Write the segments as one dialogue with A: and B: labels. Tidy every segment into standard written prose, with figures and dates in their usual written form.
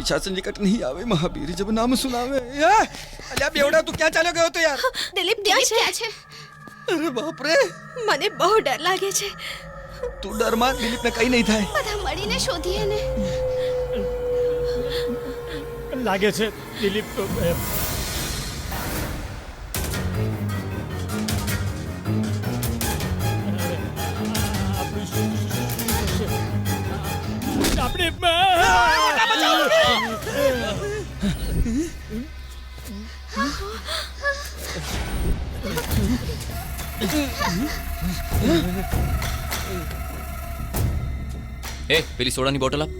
A: परीक्षा से निकट नहीं आवे महावीर जब नाम सुनावे। अल्या बेवड़ा तू क्या चालो गयो तो यार?
B: દિલીપ ક્યાં છે?
A: अरे बाप रे,
B: મને બહુ ડર લાગે છે.
A: तू डर मान, दिलीप ने कहीं नहीं था।
B: બધા મળીને શોધીએ ને.
C: લાગે છે દિલીપ આપણે
D: ए પેલી સોડાની બોટલ આપ.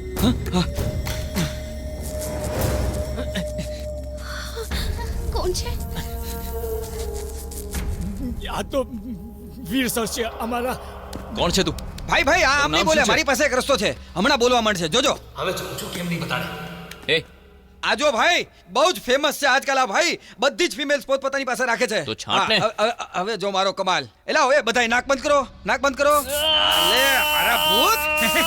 B: કોણ છે?
C: આ તો વીર સર છે અમારા.
D: કોણ છે તું?
A: भाई भाई आम नहीं बोले, हमारी पास एक रस्तो है, हमणा बोलवा मांडशे। जोजो
E: હવે જો કેમ નહીં બતાડે.
D: એ
A: आजो भाई बहु ज फेमस છે આજકાલ આ ભાઈ, બધી જ ફિમેલ્સ પોતપોતાની પાસે રાખે છે।
D: તો છાંટ ને।
A: હવે જો મારો કમાલ, એલા હવે બધાય નાક બંધ કરો, નાક બંધ કરો। લે અરે ભૂત,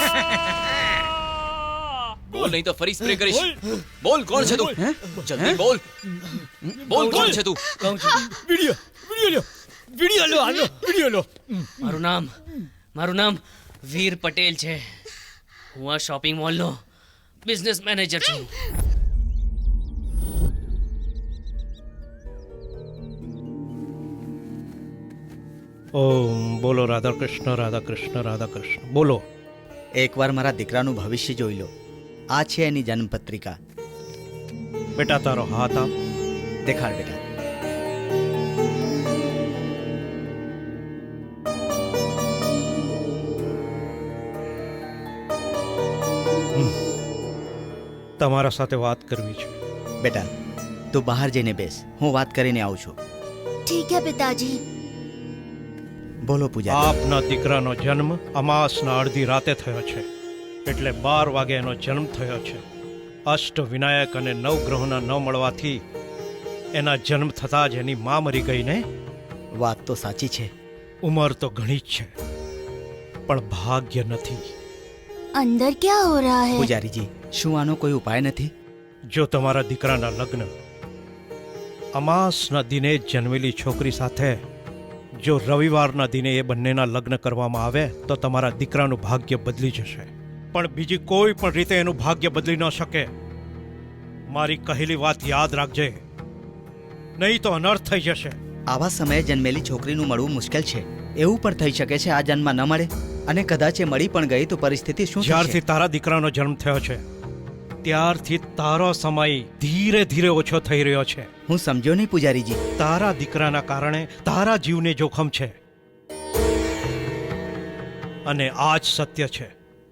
D: બોલ નહીં તો ફરી સ્પ્રે કરીશ। બોલ કોણ છે તું? જલ્દી બોલ, બોલ કોણ છે તું?
C: કહું છું વિડિયો લો હાલો વિડિયો લો.
F: મારું નામ વીર પટેલ છે. હું આ શોપિંગ મોલનો બિઝનેસ મેનેજર છું.
C: ઓમ બોલો રાધા કૃષ્ણ રાધા કૃષ્ણ રાધા કૃષ્ણ બોલો.
G: એકવાર મારા દીકરાનું ભવિષ્ય જોઈ લો. આ છે એની જન્મપત્રિકા.
C: બેટા તારો હાથ આપ.
G: દેખાડ બેટા.
C: તમારા સાથે વાત કરવી છે.
G: બેટા તું બહાર જઈને બેસ, હું વાત કરીને આવું છું.
B: ઠીક હે પિતાજી.
G: બોલો પૂજા.
C: આપના દીકરાનો જન્મ અમાસના અડધી રાતે થયો છે, એટલે 12 વાગે એનો જન્મ થયો છે. અષ્ટ વિનાયક અને નવગ્રહોના ન મળવાથી એના જન્મ થતાં જ એની મા મરી ગઈ ને.
G: વાત તો સાચી છે.
C: ઉંમર તો ઘણી જ છે, પણ ભાગ્ય નથી.
B: અંદર क्या हो रहा है?
G: પૂજારીજી, શું આનો કોઈ ઉપાય નથી?
C: જો તમારા દીકરાના લગ્ન અમાસના દિને જ જન્મેલી છોકરી સાથે જો રવિવારના દિને એ બંનેના લગ્ન કરવામાં આવે તો તમારા દીકરાનું ભાગ્ય બદલી જશે. પણ બીજી કોઈ પણ રીતે એનું ભાગ્ય બદલી ન શકે. મારી કહેલી વાત યાદ રાખજે, નહીં તો અનર્થ થઈ જશે.
G: આવા સમયે જન્મેલી છોકરીનું મળવું મુશ્કેલ છે. એવું પણ થઈ શકે છે આ જન્મમાં ન મળે, અને કદાચ એ મળી પણ ગઈ તો પરિસ્થિતિ શું થશે?
C: જ્યારથી તારા દીકરાનો જન્મ થયો છે ત્યારથી તારો સમય ધીરે ધીરે ઓછો થઈ રહ્યો છે.
G: હું સમજ્યો નહીં પૂજારીજી.
C: તારા દીકરાના કારણે તારા જીવને જોખમ છે, અને આ જ સત્ય છે.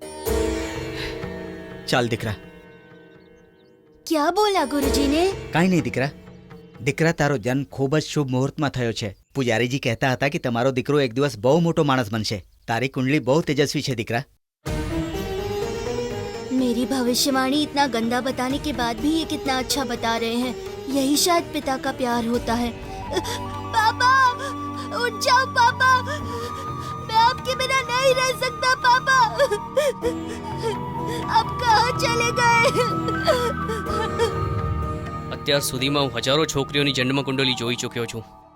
G: ચાલ દીકરા.
B: क्या बोला गुरुजी ने?
G: કાંઈ નહીં દીકરા. દીકરા તારો જન્મ ખૂબ જ શુભ મુહૂર્તમાં થયો છે. પૂજારીજી કહેતા હતા કે તમારો દીકરો એક દિવસ બહુ મોટો માણસ બનશે. તારી કુંડલી બહુ તેજસ્વી છે દીકરા.
B: मेरी भविष्यवाणी इतना गंदा बताने के बाद भी ये कितना अच्छा बता रहे हैं. यही शायद पिता का प्यार होता है. पापा उठ जाओ पापा, मैं आपके बिना नहीं रह सकता पापा. अब कहाँ चले गए?
F: અત્યાર સુધીમાં હું હજારો છોકરીઓની જન્મ કુંડલી જોઈ ચૂક્યો છું.